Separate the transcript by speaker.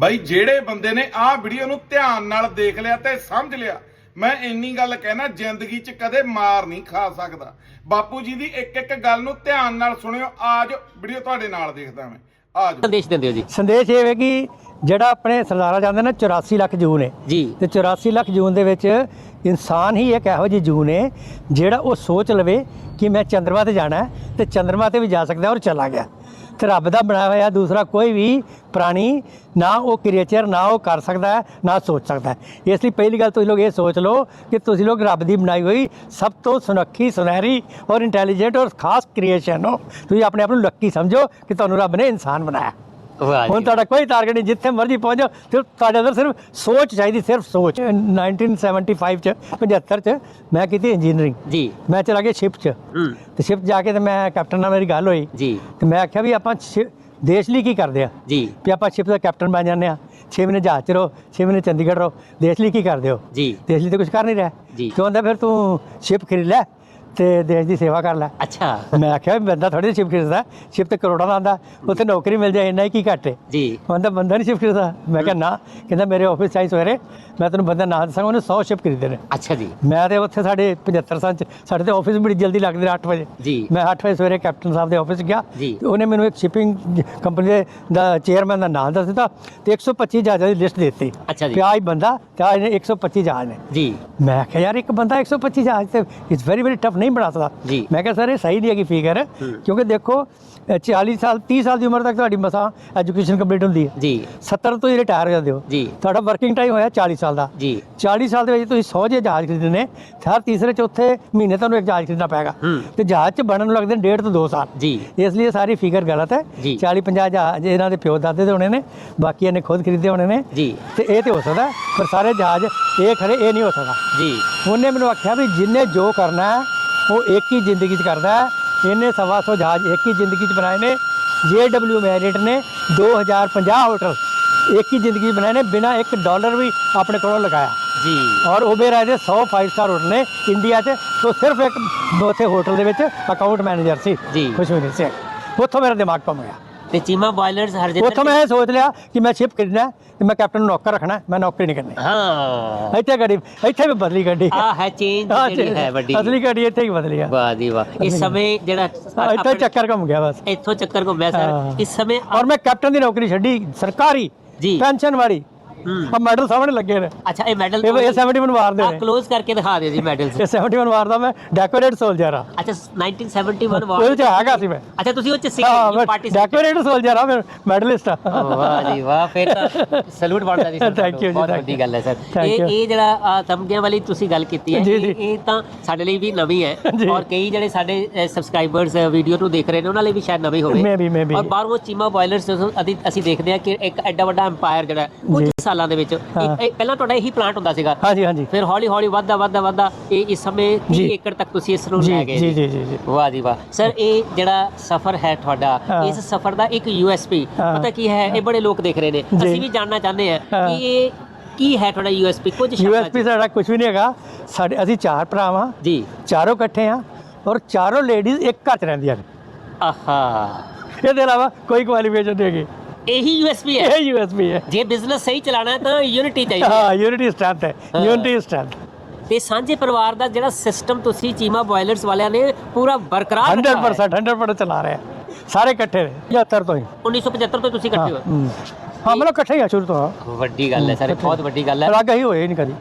Speaker 1: ਬਈ ਜਿਹੜੇ ਬੰਦੇ ਨੇ ਆਹ ਵੀਡੀਓ ਨੂੰ ਧਿਆਨ ਨਾਲ ਦੇਖ ਲਿਆ ਤੇ ਸਮਝ ਲਿਆ, ਮੈਂ ਇੰਨੀ ਗੱਲ ਕਹਿਣਾ, ਜ਼ਿੰਦਗੀ 'ਚ ਕਦੇ ਮਾਰ ਨਹੀਂ ਖਾ ਸਕਦਾ। ਬਾਪੂ ਜੀ ਦੀ ਇੱਕ ਇੱਕ ਗੱਲ ਨੂੰ ਧਿਆਨ ਨਾਲ ਸੁਣਿਓ। ਆਜ ਵੀਡੀਓ ਤੁਹਾਡੇ ਨਾਲ ਦੇਖਦਾ ਮੈਂ। ਆਜ
Speaker 2: ਸੰਦੇਸ਼ ਦਿੰਦੇ ਹੋ ਜੀ?
Speaker 3: ਸੰਦੇਸ਼ ਇਹ ਹੈ ਕਿ ਜਿਹੜਾ ਆਪਣੇ ਸਰਦਾਰਾ ਜਾਂਦੇ ਨੇ 84 ਲੱਖ ਜੂਨ ਹੈ
Speaker 2: ਜੀ,
Speaker 3: ਤੇ 84 ਲੱਖ ਜੂਨ ਦੇ ਵਿੱਚ ਇਨਸਾਨ ਹੀ ਇੱਕ ਇਹੋ ਜਿਹੀ ਜੂਨ ਹੈ ਜਿਹੜਾ ਉਹ ਸੋਚ ਲਵੇ ਕਿ ਮੈਂ ਚੰਦਰਮਾ ਤੇ ਜਾਣਾ ਹੈ ਤੇ ਚੰਦਰਮਾ ਤੇ ਵੀ ਜਾ ਸਕਦਾ ਔਰ ਚਲਾ ਗਿਆ। ਤੇ ਰੱਬ ਦਾ ਬਣਾਇਆ ਹੋਇਆ ਦੂਸਰਾ ਕੋਈ ਵੀ ਪ੍ਰਾਣੀ ਨਾ ਉਹ ਕ੍ਰੀਏਚਰ ਨਾ ਉਹ ਕਰ ਸਕਦਾ ਹੈ ਨਾ ਸੋਚ ਸਕਦਾ ਹੈ। ਇਸ ਲਈ ਪਹਿਲੀ ਗੱਲ ਤੁਸੀਂ ਲੋਕ ਇਹ ਸੋਚ ਲਓ ਕਿ ਤੁਸੀਂ ਲੋਕ ਰੱਬ ਦੀ ਬਣਾਈ ਹੋਈ ਸਭ ਤੋਂ ਸੁਨੱਖੀ ਸੁਨਹਿਰੀ ਔਰ ਇੰਟੈਲੀਜੈਂਟ ਔਰ ਖਾਸ ਕ੍ਰੀਏਸ਼ਨ ਹੋ। ਤੁਸੀਂ ਆਪਣੇ ਆਪ ਨੂੰ ਲੱਕੀ ਸਮਝੋ ਕਿ ਤੁਹਾਨੂੰ ਰੱਬ ਨੇ ਇਨਸਾਨ ਬਣਾਇਆ। ਹੁਣ ਤੁਹਾਡਾ ਕੋਈ ਟਾਰਗੇਟ ਨਹੀਂ, ਜਿੱਥੇ ਮਰਜ਼ੀ ਪਹੁੰਚ ਜਾਓ, ਸਿਰਫ ਤੁਹਾਡੇ ਅੰਦਰ ਸਿਰਫ ਸੋਚ ਚਾਹੀਦੀ, ਸਿਰਫ ਸੋਚ। 1975 ਚ 75 ਚ ਮੈਂ ਕੀਤੀ ਇੰਜੀਨੀਅਰਿੰਗ ਜੀ। ਮੈਂ ਚਲਾ ਗਿਆ ਸ਼ਿਪ 'ਚ ਤੇ ਸ਼ਿਪ ਜਾ ਕੇ ਤੇ ਮੈਂ ਕੈਪਟਨ ਨਾਲ ਮੇਰੀ ਗੱਲ ਹੋਈ ਜੀ ਤੇ ਮੈਂ ਆਖਿਆ ਵੀ ਆਪਾਂ ਦੇਸ਼ ਲਈ ਕੀ ਕਰਦੇ ਆ ਜੀ, ਵੀ ਆਪਾਂ ਸ਼ਿਪ ਦਾ ਕੈਪਟਨ ਬਣ ਜਾਂਦੇ ਆ, 6 ਮਹੀਨੇ ਜਹਾਜ਼ 'ਚ ਰਹੋ, 6 ਮਹੀਨੇ ਚੰਡੀਗੜ੍ਹ ਰਹੋ, ਦੇਸ਼ ਲਈ ਕੀ ਕਰਦੇ ਹੋ ਜੀ? ਦੇਸ਼ ਲਈ ਤਾਂ ਕੁਝ ਕਰ ਨਹੀਂ ਰਿਹਾ ਜੀ। ਕਿਉਂ ਕਹਿੰਦਾ ਫਿਰ ਤੂੰ ਸ਼ਿਪ ਖਰੀਦ ਲੈ ਤੇ ਦੇਸ਼ ਦੀ ਸੇਵਾ ਕਰ ਲੈ। ਅੱਛਾ, ਮੈਂ ਆਖਿਆ ਵੀ ਬੰਦਾ ਥੋੜੀ ਸ਼ਿਪ ਖਰੀਦਦਾ, ਸ਼ਿਪ ਤੇ ਕਰੋੜਾਂ ਦਾ ਆਉਂਦਾ, ਉੱਥੇ ਨੌਕਰੀ ਮਿਲ ਜਾਏ ਇੰਨਾ ਹੀ ਕੀ ਘੱਟ ਹੈ ਜੀ। ਕਹਿੰਦਾ ਬੰਦਾ ਨਹੀਂ ਸ਼ਿਪ ਖਰੀਦਦਾ। ਮੈਂ ਕਿਹਾ ਨਾ, ਕਹਿੰਦਾ ਮੇਰੇ ਆਫਿਸ ਚਾਹੀ ਸਵੇਰੇ ਮੈਂ ਤੈਨੂੰ ਬੰਦਾ ਨਾਂ ਦੱਸਾਂਗਾ, ਉਹਨੇ 100 ਸ਼ਿਪ ਖਰੀਦੇ ਨੇ। ਅੱਛਾ ਜੀ। ਮੈਂ ਤੇ ਉੱਥੇ ਸਾਡੇ 75 ਸਾਲ 'ਚ ਸਾਡੇ ਤੇ ਆਫਿਸ ਬੜੀ ਜਲਦੀ ਲੱਗਦੇ ਨੇ 8 ਵਜੇ ਜੀ। ਮੈਂ 8 ਵਜੇ ਸਵੇਰੇ ਕੈਪਟਨ ਸਾਹਿਬ ਦੇ ਆਫਿਸ ਗਿਆ ਤੇ ਉਹਨੇ ਮੈਨੂੰ ਇੱਕ ਸ਼ਿਪਿੰਗ ਕੰਪਨੀ ਦਾ ਚੇਅਰਮੈਨ ਦਾ ਨਾਮ ਦੱਸ ਦਿੱਤਾ ਤੇ 125 ਜਹਾਜ਼ਾਂ ਦੀ ਲਿਸਟ ਦੇ ਦਿੱਤੀ। ਅੱਛਾ ਜੀ। ਆਹ ਬੰਦਾ ਤੇ ਆਹ 125 ਜਹਾਜ਼ ਨੇ ਜੀ। ਮੈਂ ਕਿਹਾ ਯਾਰ ਇੱਕ ਬੰਦਾ 125 ਜਹਾਜ਼ ਤੇ ਇਟਸ ਵੈਰੀ ਵੈਰੀ ਟਫ ਨਹੀਂ ਬਣਾ ਸਕਦਾ ਜੀ। ਮੈਂ ਕਿਹਾ ਸਰ ਇਹ ਸਹੀ ਨਹੀਂ ਹੈਗੀ ਫਿਗਰ, ਕਿਉਂਕਿ ਦੇਖੋ 40 ਸਾਲ 30 ਸਾਲ ਦੀ ਉਮਰ ਤੱਕ ਤੁਹਾਡੀ ਮਸਾਂ ਐਜੂਕੇਸ਼ਨ ਕੰਪਲੀਟ ਹੁੰਦੀ ਹੈ ਜੀ। 70 ਤੋਂ ਹੀ ਰਿਟਾਇਰ ਹੋ ਜਾਂਦੇ ਹੋ ਜੀ। ਤੁਹਾਡਾ ਵਰਕਿੰਗ ਟਾਈਮ ਹੋਇਆ 40 ਸਾਲ ਦਾ ਜੀ। 40 ਸਾਲ ਦੇ ਵਿੱਚ ਤੁਸੀਂ 100 ਜਹਾਜ਼ ਖਰੀਦਣੇ, ਹਰ ਤੀਸਰੇ ਚੌਥੇ ਮਹੀਨੇ ਤੁਹਾਨੂੰ ਇੱਕ ਜਹਾਜ਼ ਖਰੀਦਣਾ ਪਏਗਾ ਤੇ ਜਹਾਜ਼ 'ਚ ਬਣਨ ਨੂੰ ਲੱਗਦੇ ਨੇ 1.5 ਤੋਂ 2 ਸਾਲ ਜੀ। ਇਸ ਲਈ ਸਾਰੀ ਫਿਗਰ ਗਲਤ ਹੈ। 40-50 ਜਹਾਜ਼ ਇਹਨਾਂ ਦੇ ਪਿਓ ਦਾਦੇ ਦੇ ਹੋਣੇ ਨੇ, ਬਾਕੀ ਇਹਨੇ ਖੁਦ ਖਰੀਦੇ ਹੋਣੇ ਨੇ ਜੀ। ਤੇ ਇਹ ਤੇ ਹੋ ਸਕਦਾ, ਪਰ ਸਾਰੇ ਜਹਾਜ਼ ਇਹ ਖਰੇ ਇਹ ਨਹੀਂ ਹੋ ਸਕਦਾ ਜੀ। ਉਹਨੇ ਮੈਨੂੰ ਆਖਿਆ ਵੀ ਜਿੰਨੇ ਜੋ ਕਰਨਾ ਹੈ ਉਹ ਇੱਕ ਹੀ ਜ਼ਿੰਦਗੀ 'ਚ ਕਰਦਾ ਹੈ। ਇਹਨੇ 125 ਜਹਾਜ਼ ਇੱਕ ਹੀ ਜ਼ਿੰਦਗੀ 'ਚ ਬਣਾਏ ਨੇ। JW ਮੈਰਿਟ ਨੇ 2050 ਹੋਟਲ ਇੱਕ ਹੀ ਜ਼ਿੰਦਗੀ 'ਚ ਬਣਾਏ ਨੇ, ਬਿਨਾਂ $1 ਵੀ ਆਪਣੇ ਕੋਲੋਂ ਲਗਾਇਆ ਜੀ। ਔਰ ਉਬੇਰ ਦੇ 100 5 ਸਟਾਰ ਹੋਟਲ ਨੇ ਇੰਡੀਆ 'ਚ। ਤੋਂ ਸਿਰਫ ਇੱਕ ਉੱਥੇ ਹੋਟਲ ਦੇ ਵਿੱਚ ਅਕਾਊਂਟ ਮੈਨੇਜਰ ਸੀ ਜੀ, ਖੁਸ਼ਮੀਰ ਸਿੰਘ। ਉੱਥੋਂ ਮੇਰਾ ਦਿਮਾਗ ਘੁੰਮ ਗਿਆ
Speaker 2: ਤੇ ਚੀਮਾ ਬੋਇਲਰਸ ਹਰਜਿੰਦਰ,
Speaker 3: ਉੱਥੋਂ ਮੈਂ ਇਹ ਸੋਚ ਲਿਆ ਕਿ ਮੈਂ ਸ਼ਿਪ ਖਰੀਦਣਾ ਤੇ ਮੈਂ ਕੈਪਟਨ ਨੂੰ ਨੌਕਰ ਰੱਖਣਾ, ਮੈਂ ਨੌਕਰੀ ਨਹੀਂ ਕਰਨੀ।
Speaker 2: ਹਾਂ,
Speaker 3: ਇੱਥੇ ਗੱਡੀ, ਇੱਥੇ ਵੀ ਬਦਲੀ ਗੱਡੀ
Speaker 2: ਆ ਹੈ ਚੇਂਜ ਜਿਹੜੀ ਹੈ ਵੱਡੀ,
Speaker 3: ਅਸਲੀ ਗੱਡੀ ਇੱਥੇ ਹੀ ਬਦਲੀ ਆ।
Speaker 2: ਵਾਹ ਜੀ ਵਾਹ। ਇਸ ਸਮੇਂ ਜਿਹੜਾ
Speaker 3: ਇੱਥੇ ਚੱਕਰ ਘੁੰਮ ਗਿਆ ਬਸ,
Speaker 2: ਇੱਥੋਂ ਚੱਕਰ ਘੁੰਮਿਆ ਸਰ ਇਸ ਸਮੇਂ।
Speaker 3: ਔਰ ਮੈਂ ਕੈਪਟਨ ਦੀ ਨੌਕਰੀ ਛੱਡੀ, ਸਰਕਾਰੀ ਜੀ, ਪੈਨਸ਼ਨ ਵਾਲੀ। ਆ ਮੈਡਲ ਸਾਹਮਣੇ ਲੱਗੇ ਨੇ। ਅੱਛਾ, ਇਹ ਮੈਡਲ ਇਹ 71 ਵਾਰ ਦੇ ਨੇ।
Speaker 2: ਕਲੋਜ਼ ਕਰਕੇ ਦਿਖਾ ਦਿਓ ਜੀ ਮੈਡਲਸ।
Speaker 3: ਇਹ 71 ਵਾਰ ਦਾ ਮੈਂ ਡੈਕੋਰੇਟ ਸੋਲਜਰ ਆ।
Speaker 2: ਅੱਛਾ, 1971 ਵਾਰ
Speaker 3: ਉਹਦੇ ਚ ਹੈਗਾ ਸੀ ਮੈਂ।
Speaker 2: ਅੱਛਾ, ਤੁਸੀਂ ਉਹ ਚ ਸੀ ਪਾਰਟਿਸਿਪੇਟ।
Speaker 3: ਡੈਕੋਰੇਟ ਸੋਲਜਰ ਆ, ਮੈਂ ਮੈਡਲਿਸਟ ਆ।
Speaker 2: ਵਾਹ ਜੀ ਵਾਹ, ਫਿਰ ਤਾਂ ਸਲੂਟ ਬਣਦਾ ਜੀ ਸਰ।
Speaker 3: ਥੈਂਕ ਯੂ ਜੀ,
Speaker 2: ਬਹੁਤ ਵੱਡੀ ਗੱਲ ਹੈ ਸਰ। ਇਹ ਜਿਹੜਾ ਤਮਗਿਆਂ ਵਾਲੀ ਤੁਸੀਂ ਗੱਲ ਕੀਤੀ ਹੈ, ਇਹ ਤਾਂ ਸਾਡੇ ਲਈ ਵੀ ਨਵੀਂ ਹੈ ਔਰ ਕਈ ਜਿਹੜੇ ਸਾਡੇ ਸਬਸਕ੍ਰਾਈਬਰਸ ਵੀਡੀਓ ਨੂੰ ਦੇਖ ਰਹੇ ਨੇ ਉਹਨਾਂ ਲਈ ਵੀ ਸ਼ਾਇਦ ਨਵੀਂ ਹੋਵੇ। ਔਰ ਬਾਹਰੋਂ ਚੀਮਾ ਬੋਇਲਰਸ ਅਸੀਂ ਦੇਖਦੇ ਹਾਂ ਕਿ ਇੱਕ ਐਡਾ ਵੱਡਾ ਐਮਪਾਇਰ ਜਿਹੜਾ ਕੁਝ ਸਾਲਾਂ ਦੇ ਵਿੱਚ, ਪਹਿਲਾਂ ਤੁਹਾਡਾ ਇਹੀ ਪਲਾਂਟ ਹੁੰਦਾ ਸੀਗਾ ਹਾਂਜੀ ਹਾਂਜੀ, ਫਿਰ ਹੌਲੀ ਹੌਲੀ ਵੱਧਦਾ ਇਹ ਇਸ ਸਮੇਂ 30 ਏਕੜ ਤੱਕ ਤੁਸੀਂ ਇਸ ਨੂੰ ਲੈ ਗਏ ਜੀ। ਜੀ ਜੀ ਜੀ, ਵਾਹ ਜੀ ਵਾਹ ਸਰ। ਇਹ ਜਿਹੜਾ ਸਫ਼ਰ ਹੈ ਤੁਹਾਡਾ, ਇਸ ਸਫ਼ਰ ਦਾ ਇੱਕ USP ਪਤਾ ਕੀ ਹੈ? ਇਹ ਬੜੇ ਲੋਕ ਦੇਖ ਰਹੇ ਨੇ, ਅਸੀਂ ਵੀ ਜਾਣਨਾ ਚਾਹੁੰਦੇ ਹਾਂ ਕਿ ਇਹ ਕੀ ਹੈ ਤੁਹਾਡਾ USP। ਕੁਝ
Speaker 3: USP ਸਾਡਾ ਕੁਝ ਵੀ ਨਹੀਂ ਹੈਗਾ। ਸਾਡੇ ਅਸੀਂ 4 ਭਰਾ ਹਾਂ ਜੀ, ਚਾਰੋਂ ਇਕੱਠੇ ਆ ਔਰ ਚਾਰੋਂ ਲੇਡੀਜ਼ ਇੱਕ ਘਰ 'ਚ ਰਹਿੰਦੀਆਂ ਨੇ। ਆਹਾ, ਇਹਦੇ ਇਲਾਵਾ ਕੋਈ ਕੁਆਲੀਫਿਕੇਸ਼ਨ ਨਹੀਂ ਹੈਗੀ। ਇਹੀ USP ਹੈ। ਇਹ USP ਹੈ। ਜੇ ਬਿਜ਼ਨਸ ਸਹੀ ਚਲਾਣਾ ਹੈ ਤਾਂ ਯੂਨਿਟੀ ਚਾਹੀਦੀ ਹੈ। ਹਾਂ, ਯੂਨਿਟੀ ਸਟਰੈਂਥ ਹੈ, ਯੂਨਿਟੀ ਸਟਰੈਂਥ।
Speaker 2: ਤੇ ਸਾਂਝੇ ਪਰਿਵਾਰ ਦਾ ਜਿਹੜਾ ਸਿਸਟਮ ਤੁਸੀਂ ਚੀਮਾ ਬੋਇਲਰਸ ਵਾਲਿਆਂ ਨੇ ਪੂਰਾ ਬਰਕਰਾਰ
Speaker 3: 100% ਚਲਾ ਰਹੇ ਆ, ਸਾਰੇ ਇਕੱਠੇ ਨੇ 75 ਤੋਂ ਹੀ।
Speaker 2: 1975 ਤੋਂ ਤੁਸੀਂ ਇਕੱਠੇ ਹੋ?
Speaker 3: ਹਾਂ, ਮਤਲਬ ਇਕੱਠੇ ਹੀ ਆ ਸ਼ੁਰੂ ਤੋਂ।
Speaker 2: ਵੱਡੀ ਗੱਲ ਹੈ ਸਰ, ਬਹੁਤ ਵੱਡੀ ਗੱਲ ਹੈ।
Speaker 3: ਅਲੱਗ ਹੀ ਹੋਏ ਨਹੀਂ ਕਦੀ।